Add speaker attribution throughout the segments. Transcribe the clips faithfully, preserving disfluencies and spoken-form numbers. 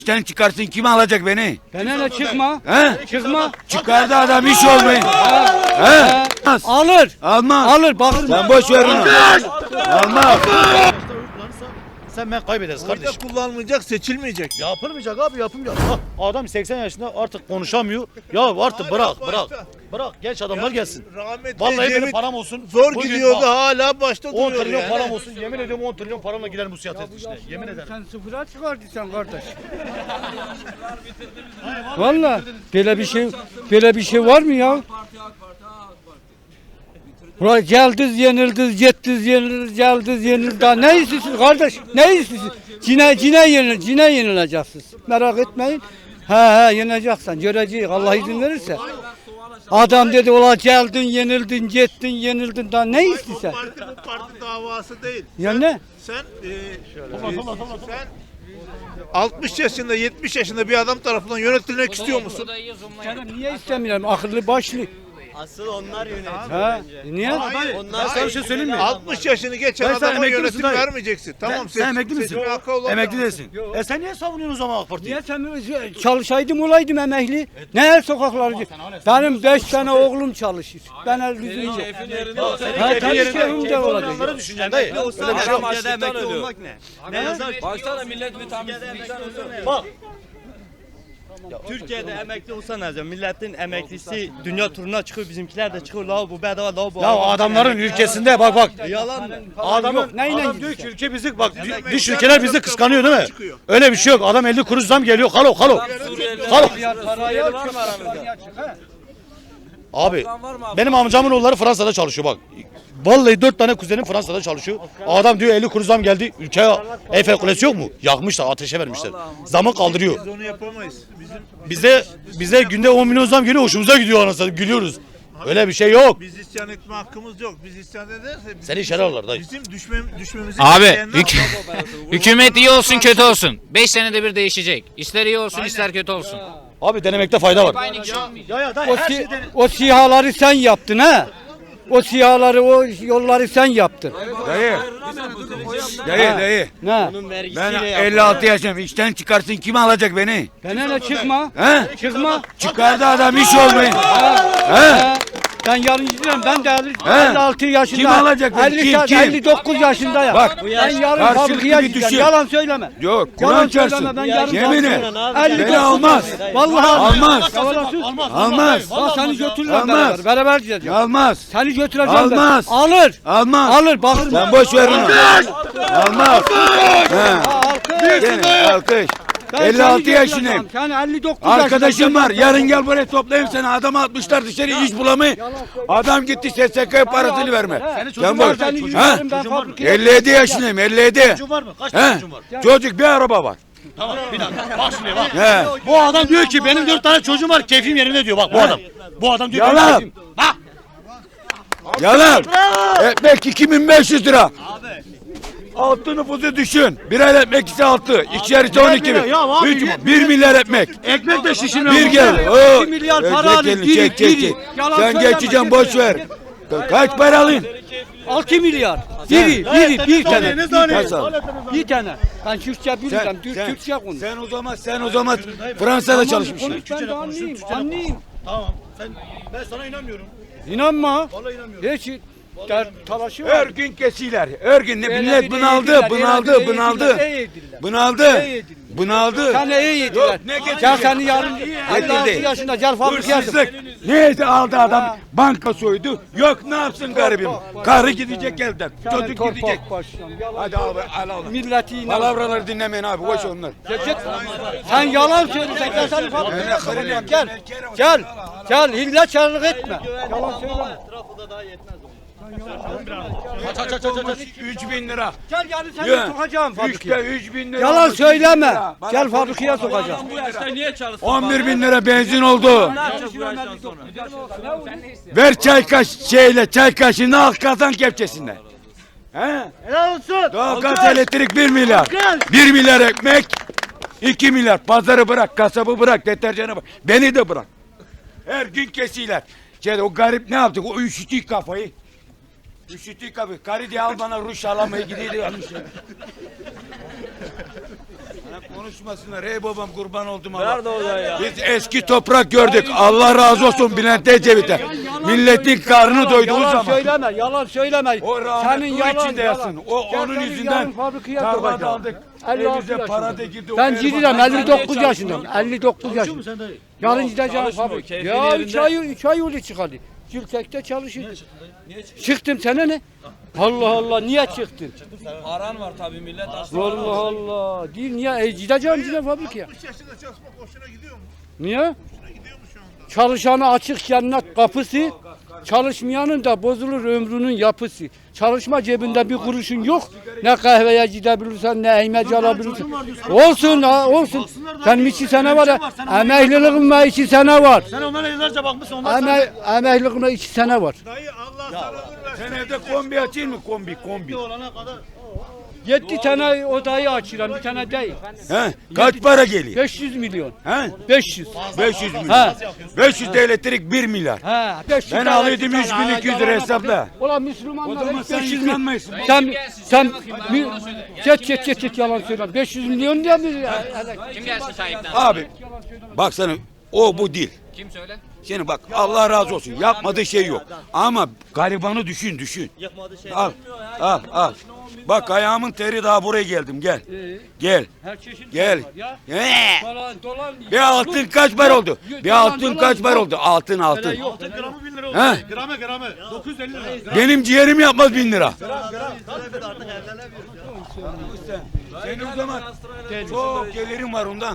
Speaker 1: Sen çıkarsın, kim alacak beni?
Speaker 2: Benimle çıkma.
Speaker 1: He?
Speaker 2: Çıkma.
Speaker 1: Çıkardı adam, iş olmayın. He?
Speaker 2: Alır.
Speaker 1: Almaz.
Speaker 2: Alır bak.
Speaker 1: Sen boş ver onu. Almaz.
Speaker 3: Sen ben kaybederiz kardeşim.
Speaker 4: Kardeş kullanılmayacak, seçilmeyecek.
Speaker 3: Yapılmayacak abi yapılmayacak. Bak, adam seksen yaşında artık konuşamıyor. Ya artık bırak
Speaker 4: Hala
Speaker 3: bırak.
Speaker 4: başta.
Speaker 3: Bırak genç adamlar gelsin.
Speaker 4: Rahmetli
Speaker 3: Vallahi benim
Speaker 4: Ecevit
Speaker 3: param olsun.
Speaker 4: zor
Speaker 3: Bugün
Speaker 4: gidiyordu,
Speaker 3: bak,
Speaker 4: hala başta
Speaker 3: on
Speaker 4: duruyor
Speaker 3: trilyon
Speaker 4: yani.
Speaker 3: param olsun. Yemin ediyorum on trilyon paramla gider bu siyaset işte. Yemin ederim.
Speaker 2: Sen sıfıra çıkardıysan kardeş. Valla böyle bir şey böyle bir şey var mı ya? Ulan geldiz yenildiniz, gittiniz yenildiniz, geldiniz yenildiniz. Daha ne istiyorsunuz kardeş? Ne istiyorsunuz? Cine, cine, yenil, cine yenileceksiniz. Merak etmeyin. He he yeneceksin. Göreceğiz. Allah izin verirse. Adam dedi ulan geldin, yenildin, gittin, yenildin. Daha ne
Speaker 4: Bu
Speaker 2: istiyorsun?
Speaker 4: parti bu parti davası değil.
Speaker 2: Ya ne?
Speaker 4: Sen e, e, sen altmış yaşında, yetmiş yaşında bir adam tarafından yönetilmek istiyor musun?
Speaker 2: Canım niye istemiyorum? Akıllı başlı.
Speaker 5: Asıl onlar yönetiyor.
Speaker 2: Ha? Niye?
Speaker 4: Hayır.
Speaker 5: Onlar
Speaker 4: Hayır.
Speaker 5: bir şey söyleyeyim mi?
Speaker 4: altmış yaşını geçen
Speaker 1: Ben sen
Speaker 4: adama
Speaker 1: emekli
Speaker 4: yönetim
Speaker 1: misin dayı?
Speaker 4: vermeyeceksin. Tamam,
Speaker 1: Sen,
Speaker 4: seç-
Speaker 1: sen emekli misin?
Speaker 4: seçme hakkı olan
Speaker 1: Emekli
Speaker 4: adam.
Speaker 1: değilsin.
Speaker 3: E sen niye savunuyorsun o zaman AK Parti'yi?
Speaker 2: Niye sen çalışaydım olaydım emekli? Ne her sokaklarda? Benim beş tane oğlum çalışır. Ben el yüzünce. Ha tabii keyfim de olacak.
Speaker 3: Onları düşüneceksin dayı. Öyle bir şey yok.
Speaker 5: Türkiye'de emekli olmak ne? Ne yazar?
Speaker 6: Başta millet müteahhitlikten ölüyor.
Speaker 3: Bak.
Speaker 5: Türkiye'de emekli olsa ne yazar? Milletin emeklisi dünya turuna çıkıyor, bizimkiler de çıkıyor. La bu bedava, la bu.
Speaker 3: Ya adamların ülkesinde bak bak.
Speaker 5: Yalan mı?
Speaker 3: Adamın,
Speaker 2: Neyle
Speaker 3: adam diyor ki
Speaker 2: gideceksin?
Speaker 3: ülke bizi bak dış ülkeler bizi kıskanıyor değil mi? Öyle bir şey yok. Adam elli kuruş zam geliyor. Kalo kalo. Kalo.
Speaker 2: Parayı var mı aramızda?
Speaker 3: Abi benim amcamın oğulları Fransa'da çalışıyor bak. Vallahi dört tane kuzenim Fransa'da çalışıyor. Adam diyor elli kuruş zam geldi. Ülkeye Eiffel Kulesi yok mu? Yakmışlar, ateşe vermişler. Zamı kaldırıyor.
Speaker 4: Biz onu yapamayız. Bizim
Speaker 3: Bize bize günde on milyon zam geliyor. Hoşumuza gidiyor anasını. Gülüyoruz. Öyle bir şey yok.
Speaker 4: biz isyan etme hakkımız yok. Biz isyan ederse bizim,
Speaker 3: Seni içeri alırlar dayı.
Speaker 4: bizim düşmem, düşmemizi
Speaker 6: Abi
Speaker 4: isteyenler
Speaker 6: hük
Speaker 4: var.
Speaker 6: hükümet iyi olsun kötü olsun. beş senede bir değişecek. İster iyi olsun ister kötü olsun.
Speaker 3: Abi denemekte fayda var.
Speaker 6: Aynı kişi olmayacak.
Speaker 3: Ya ya dayı
Speaker 2: O,
Speaker 3: her
Speaker 2: si
Speaker 3: şeyden...
Speaker 2: o sihaları sen yaptın ha? O sihaları, o yolları sen yaptın.
Speaker 1: Dayı. Dayı, dayı.
Speaker 2: Ne?
Speaker 1: Ben elli altı yaşındayım. İşten çıkarsın, kim alacak beni?
Speaker 2: Benimle çıkma.
Speaker 1: He?
Speaker 2: Çıkma.
Speaker 1: Çıkardı adam, iş olmayın. He?
Speaker 2: Ben yarın gidiyorum. Ben de
Speaker 1: He?
Speaker 2: elli altı yaşında.
Speaker 1: Kim alacak beni?
Speaker 2: elli,
Speaker 1: Kim, kim?
Speaker 2: elli dokuz yaşındayım.
Speaker 1: Bak,
Speaker 2: ben yarın
Speaker 1: karşılıklı
Speaker 2: fabrikaya
Speaker 1: bir
Speaker 2: gideceğim.
Speaker 1: düşün.
Speaker 2: Yalan söyleme.
Speaker 1: Yok,
Speaker 2: Yalan
Speaker 1: Kur'an
Speaker 2: söyleme,
Speaker 1: çarpsın.
Speaker 2: ben yarın
Speaker 1: Yemin et.
Speaker 2: elli
Speaker 1: Beni
Speaker 2: dokuz
Speaker 1: almaz.
Speaker 2: Vallahi
Speaker 1: Almaz.
Speaker 2: Almaz.
Speaker 1: Almaz.
Speaker 2: Bak seni götürürüm
Speaker 1: Almaz.
Speaker 2: beraber. Beraber gideceğim.
Speaker 1: Almaz.
Speaker 2: Seni götüreceğim.
Speaker 1: Almaz.
Speaker 2: Ben. Alır.
Speaker 1: Almaz.
Speaker 2: Alır. Bakın.
Speaker 1: Sen boş ver onu. Almaz. He. Gene alkış.
Speaker 2: Ben
Speaker 1: elli altı
Speaker 2: seni
Speaker 1: yaşındayım.
Speaker 2: götüreceğim. Sen elli dokuz
Speaker 1: Arkadaşım var.
Speaker 2: yaşındasın.
Speaker 1: Yarın gel buraya toplayayım seni. Adamı atmışlar dışarı, iş bulamıyor. Adam gitti S S K parasını verme. Sen boş.
Speaker 2: Seni
Speaker 1: Ha?
Speaker 2: yürüyorum, ben fabrikaya
Speaker 1: elli yedi yaşındayım. elli yedi.
Speaker 3: Çocuğun var mı? Kaç
Speaker 1: He?
Speaker 3: tane çocuğun var?
Speaker 1: Çocuk, bir araba var.
Speaker 3: Tamam bir dakika. Bak şimdi bak.
Speaker 1: He.
Speaker 3: Bu adam diyor ki benim dört tane çocuğum var, keyfim yerinde diyor bak bu adam. Bu adam diyor
Speaker 1: Yalan.
Speaker 3: benim keyfim. Bak.
Speaker 1: Yalan. Ekmek iki bin beş yüz lira. Altı nüfusu düşün. Bir ay ekmek ise altı. İkişer ise on iki bin.
Speaker 3: Ya abi,
Speaker 1: Üç,
Speaker 3: millet-
Speaker 1: bir milyar ekmek.
Speaker 3: Ekmek de şişirmiyor.
Speaker 1: Bir gel. Oo.
Speaker 2: iki milyar
Speaker 1: Çek
Speaker 2: para alın,
Speaker 1: elini,
Speaker 2: biri,
Speaker 1: çek, çek,
Speaker 2: biri.
Speaker 1: çek.
Speaker 2: Yalan
Speaker 1: Sen
Speaker 2: söyleme,
Speaker 1: geçeceğim,
Speaker 2: git.
Speaker 1: boş ver. Kaç para alın?
Speaker 2: altı milyar. Biri, biri, bir tane.
Speaker 3: Ne tane?
Speaker 1: Kaç al?
Speaker 2: Bir tane. Ben Türkçe biliyorum. Türk,
Speaker 1: sen,
Speaker 2: Türkçe konuş.
Speaker 1: sen o zaman sen o zaman Fransa'da çalışmışsın.
Speaker 2: Konuş, ben de anlayayım. Anlayayım.
Speaker 3: Tamam. Sen, ben sana inanmıyorum.
Speaker 2: İnanma.
Speaker 3: Vallahi inanmıyorum.
Speaker 2: Hiç der, talaşı
Speaker 1: Her
Speaker 2: var.
Speaker 1: gün kesiler. Her gün ne
Speaker 2: Öyle
Speaker 1: millet
Speaker 2: bir
Speaker 1: bunaldı,
Speaker 2: eğidirler,
Speaker 1: bunaldı,
Speaker 2: öyle bir
Speaker 1: bunaldı.
Speaker 2: eğidirler, iyi eğidirler.
Speaker 1: Bunaldı.
Speaker 2: İyi eğidirler.
Speaker 1: Bunaldı.
Speaker 2: Sen iyi yediler.
Speaker 1: Yok, ne
Speaker 2: Gel
Speaker 1: getirdin?
Speaker 2: seni yarın elli altı
Speaker 1: Getirdi.
Speaker 2: yaşında gel fabrikaya.
Speaker 1: Hırsızlık. Neydi aldı adam? Banka soydu. Yok, ne yapsın garibim? Karı gidecek elden. Çocuk gidecek. Hadi abi, al al.
Speaker 2: Milleti inan.
Speaker 1: Palavraları dinlemeyin abi, boş onlar.
Speaker 2: Git. Sen yalan söylüyorsun. Gel seni fabrikaya sokacağım. Gel. Gel. Gel. Hillekarlık etme. Yalan söyleme.
Speaker 5: Trafoda daha yetmez o.
Speaker 3: Aç aç aç aç aç.
Speaker 1: üç bin lira.
Speaker 2: Gel yani seni
Speaker 1: Ya,
Speaker 2: sokacağım
Speaker 1: Üçte
Speaker 2: fabrikaya.
Speaker 1: üç bin lira.
Speaker 2: Yalan
Speaker 1: olmuş,
Speaker 2: söyleme.
Speaker 1: üç bin lira. Bana
Speaker 2: Gel
Speaker 1: konuş.
Speaker 2: fabrikaya sokacağım.
Speaker 6: Bu yaşta niye çalışsın?
Speaker 1: on bir bin lira benzin oldu.
Speaker 6: Ne yapacak bu yaştan sonra?
Speaker 1: Ver çay kaş şeyle çay kaşığını al kazan kepçesinden. He?
Speaker 2: Helal olsun.
Speaker 1: Doğalgaz, elektrik bir milyar. bir milyar ekmek. iki milyar. Pazarı bırak, kasabı bırak, deterjanı bırak. Beni de bırak. Her gün kesiler. Şey, o garip ne yaptı? O üşüttü kafayı. Üşüttü kafayı. Karı diye al bana ruj alamayı gidiyordu. Konuşmasınlar. Ey babam kurban oldum Allah. Nerede o ya? Biz eski toprak gördük. Allah razı olsun Bülent Ecevit'e. Milletin karnını doyduğu
Speaker 2: yalan
Speaker 1: zaman.
Speaker 2: söyleme, yalan söyleme.
Speaker 1: O rahmet
Speaker 2: Senin
Speaker 1: o
Speaker 2: yalan,
Speaker 1: içinde
Speaker 2: yalan.
Speaker 1: yatsın. O
Speaker 2: Gel
Speaker 1: onun
Speaker 2: senin
Speaker 1: yüzünden
Speaker 2: yarın fabrikaya
Speaker 1: tarlada
Speaker 2: koyacağım.
Speaker 1: aldık.
Speaker 2: elli altı
Speaker 1: Evimize para da girdi.
Speaker 2: Ben
Speaker 1: O
Speaker 2: cidilim,
Speaker 1: Erbakan-
Speaker 2: elli dokuz yaşındayım. elli dokuz yaşındayım. Yarın gideceğim fabrika. Ya üç ay, üç ay yolu çıkardı. Gültek'te çalışıyor. Çıktım sana ne? Allah Allah niye çıktın?
Speaker 7: Aran var tabii millet hasta.
Speaker 2: Allah Allah. Değil niye? E, gideceğim gideceğim fabrikaya.
Speaker 4: altmış yaşında çalışmak hoşuna gidiyor mu?
Speaker 2: Niye?
Speaker 4: Gidiyor mu şu anda?
Speaker 2: Çalışanı açık cennet kapısı, çalışmayanın da bozulur ömrünün yapısı. Çalışma cebinde bir kuruşun yok. Ne kahveye gidebilirsen, ne ekmek alabilirsin. Olsun ha, olsun. Senin iki sene var ya, emekliliğime iki sene var.
Speaker 3: Sen onlara yıllarca bakmışsın ondan
Speaker 2: Eme, emekliliğime iki sene var.
Speaker 4: Dayı Allah sana ömür versin.
Speaker 1: Sen evde kombi açayım mı? Kombi, kombi.
Speaker 3: olana kadar.
Speaker 2: Yedi tane odayı açıyorum, bir tane değil.
Speaker 1: He? Kaç para geliyor?
Speaker 2: beş yüz milyon.
Speaker 1: He?
Speaker 2: beş yüz.
Speaker 1: beş yüz milyon.
Speaker 2: Ha.
Speaker 1: beş yüz de elektrik bir milyar.
Speaker 2: Ha, beş yüz
Speaker 1: Ben
Speaker 2: tane
Speaker 1: alıyordum
Speaker 2: tane
Speaker 1: üç bin iki yüz lira
Speaker 2: yalan
Speaker 1: hesapla.
Speaker 2: bakayım. Ulan
Speaker 1: O
Speaker 2: Müslümanlar
Speaker 1: zaman
Speaker 2: hep
Speaker 1: sen
Speaker 2: beş yüz milyon.
Speaker 1: yıkanmayısın.
Speaker 2: Sen, sen, mi, çet çet çet çet yalan söyle. beş yüz milyon diye mi?
Speaker 6: Kim gelsin sahipten?
Speaker 1: Abi bak sana o bu değil.
Speaker 6: Kim söyle?
Speaker 1: Şimdi bak Allah razı olsun yapmadığı şey yok. Ama garibanı düşün düşün.
Speaker 5: Yapmadığı şey.
Speaker 1: Al al al. Bak ayağımın teri daha buraya geldim gel. Gel.
Speaker 2: Her çeşit
Speaker 1: Gel.
Speaker 2: var ya.
Speaker 1: He.
Speaker 2: Dolan, dolan.
Speaker 1: Bir altın kaç para oldu? Bir altın kaç para oldu? Altın altın.
Speaker 3: Gramı bin lira oldu.
Speaker 1: He?
Speaker 3: Gramı gramı. dokuz yüz elli lira.
Speaker 1: Benim ciğerim yapmaz bin lira. Senin o zaman çok gelirim var ondan.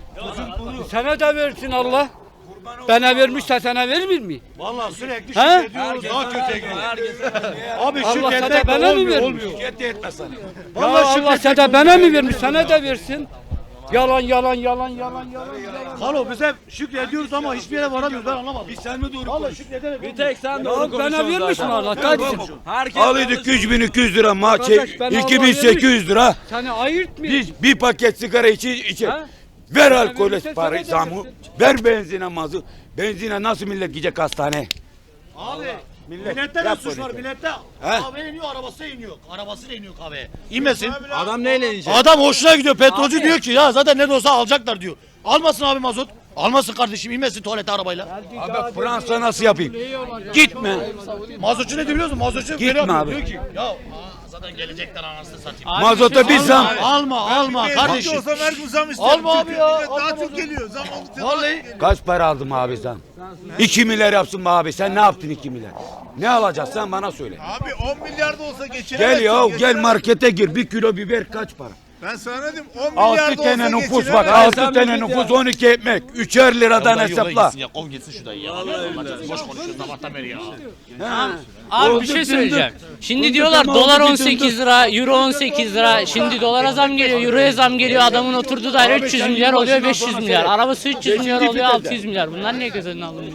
Speaker 2: Sana da versin Allah. Bana vermişse sana verir mi?
Speaker 3: Vallahi sürekli
Speaker 2: He?
Speaker 3: şükrediyoruz. Daha kötüye gidiyor. Abi
Speaker 2: Allah
Speaker 3: şükretmek
Speaker 2: sana
Speaker 3: de
Speaker 2: bana mı
Speaker 3: olmuyor.
Speaker 2: vermiş?
Speaker 3: olmuyor.
Speaker 1: Şirket de etmez sana.
Speaker 2: Ya
Speaker 3: Vallahi
Speaker 2: Allah
Speaker 3: şükretmek
Speaker 2: sana bana mı vermiş? Sana da versin. Yalan yalan yalan yalan yalan. yalan.
Speaker 3: Halo biz hep şükrediyoruz ama hiçbir yere varamıyoruz. Ben anlamadım.
Speaker 1: Biz sen mi doğru
Speaker 3: Vallahi
Speaker 1: konuş?
Speaker 3: şükredelim.
Speaker 7: Bir tek sen
Speaker 2: Ya
Speaker 7: doğru
Speaker 2: bana
Speaker 7: konuşuyorsun
Speaker 2: vermiş mi
Speaker 7: zaten.
Speaker 2: Allah? Kardeşim.
Speaker 7: Herkes
Speaker 1: Alıyorduk üç bin iki yüz lira maç,
Speaker 2: Arkadaş, ben
Speaker 1: iki bin
Speaker 2: Allah
Speaker 1: sekiz yüz lira.
Speaker 2: Seni ayırt mı?
Speaker 1: Biz bir paket sigara içi içe.
Speaker 2: Ha?
Speaker 1: Ver
Speaker 2: Sana
Speaker 1: alkole
Speaker 2: verirse
Speaker 1: parayı
Speaker 2: sana da
Speaker 1: zamı.
Speaker 2: versin.
Speaker 1: Ver benzine mazı. Benzine nasıl millet gidecek hastane?
Speaker 3: Abi
Speaker 1: Millet
Speaker 3: millette ne
Speaker 1: yap
Speaker 3: suç var
Speaker 1: böyle.
Speaker 3: millette?
Speaker 1: He?
Speaker 3: Kahve iniyor arabası iniyor. Arabasıyla iniyor kahveye. İnmesin.
Speaker 7: Adam neyle inecek?
Speaker 3: Adam hoşuna gidiyor. Petrolcü diyor ki ya zaten ne de olsa alacaklar diyor. Almasın abi mazot. Almasın kardeşim inmesin tuvalete arabayla.
Speaker 1: Abi Fransa nasıl yapayım? Gitme.
Speaker 3: Mazotçu ne diyor biliyor musun? Mazotçu
Speaker 1: Gitme
Speaker 3: böyle yapıyor,
Speaker 1: abi.
Speaker 3: diyor ki ya aa, zaten gelecekler anasını satayım.
Speaker 1: Mazota bir zam.
Speaker 3: Alma alma
Speaker 4: Ben
Speaker 3: kardeşim.
Speaker 4: olsam her gün zam isterim.
Speaker 3: Alma abi
Speaker 4: çünkü
Speaker 3: ya,
Speaker 4: millet
Speaker 3: alma
Speaker 4: Daha
Speaker 3: mazot.
Speaker 4: çok geliyor. Zam aldıkça
Speaker 3: Vallahi.
Speaker 1: Kaç para aldım abi sen? iki milyar yapsın be abi. Sen ne yaptın iki milyar? Ne alacaksın sen bana söyle.
Speaker 4: Abi on milyar da olsa geçiremezsin.
Speaker 1: Gel ya gel
Speaker 4: geçiremezsin.
Speaker 1: markete gir. Bir kilo biber kaç para?
Speaker 4: Ben sana ne diyeyim on milyar
Speaker 1: Altı
Speaker 4: da olsa
Speaker 1: tane nüfus bak.
Speaker 4: geçiremezsin.
Speaker 1: Altı tane nüfus on iki ekmek. Üçer liradan hesapla.
Speaker 3: Ya kov gitsin şu dayı ya. Boş konuşuyoruz sabahtan beri ya.
Speaker 6: Abi
Speaker 1: Oldu,
Speaker 6: bir şey
Speaker 1: döndü.
Speaker 6: söyleyeceğim. Şimdi
Speaker 1: Oldu,
Speaker 6: diyorlar
Speaker 1: tamam,
Speaker 6: dolar
Speaker 1: oldu,
Speaker 6: on sekiz
Speaker 1: döndü.
Speaker 6: lira, euro on sekiz lira. Şimdi dolara zam geliyor, euroya zam geliyor. Adamın oturduğu daire
Speaker 1: Abi
Speaker 6: üç yüz
Speaker 1: sen
Speaker 6: milyar oluyor,
Speaker 1: yılbaşından
Speaker 6: beş yüz
Speaker 1: sonra
Speaker 6: milyar.
Speaker 1: seyret.
Speaker 6: Arabası üç yüz milyar
Speaker 1: Beşinci
Speaker 6: oluyor,
Speaker 1: viteste.
Speaker 6: altı yüz milyar. Bunlar niye göz önüne alınmıyor?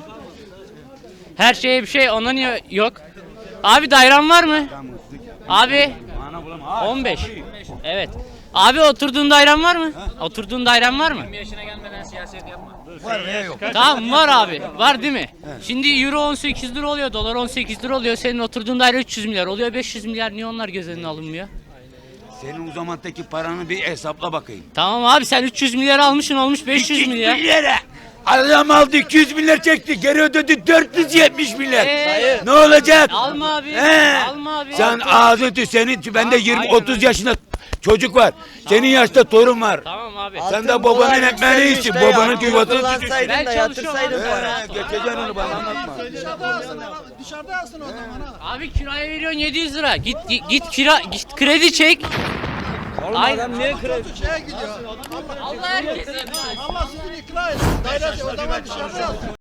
Speaker 6: Her şeye bir şey, ona niye yok? Abi dairen var mı? Abi on beş. Evet. Abi oturduğun dairen var mı? Oturduğun dairen var mı? yirmi yaşına gelmeden siyaset yapma. Tamam var abi. Var değil mi? Şimdi euro on sekiz lira oluyor, dolar on sekiz lira oluyor. Senin oturduğun daire üç yüz milyar oluyor, beş yüz milyar. Niye onlar göz önüne alınmıyor?
Speaker 1: Senin o zamandaki paranı bir hesapla bakayım.
Speaker 6: Tamam abi sen üç yüz milyar almışsın olmuş beş yüz milyar.
Speaker 1: milyara. Adam aldı iki yüz milyar çekti. Geri ödedi dört yüz yetmiş milyar.
Speaker 6: Ee?
Speaker 1: Ne olacak?
Speaker 6: Alma abi.
Speaker 1: He.
Speaker 6: Alma abi.
Speaker 1: Sen ağzı tü senin ben de yirmi
Speaker 6: aynen
Speaker 1: otuz yaşında çocuk var. Senin yaşta torun var.
Speaker 6: Tamam abi.
Speaker 1: Sen de babanın ekmeğini içsin. Babanın yuvatını tütüsün.
Speaker 6: Ben çalışıyorum abi.
Speaker 1: Geçeceksin onu bana anlatma.
Speaker 6: Abi kiraya veriyorsun yedi yüz lira. Git git, git kira git kredi çek. Ay.
Speaker 7: Adam niye kredi?
Speaker 6: Allah herkese.
Speaker 8: Allah sizin ikna etsin. Dairesi o zaman dışarıda yazsın.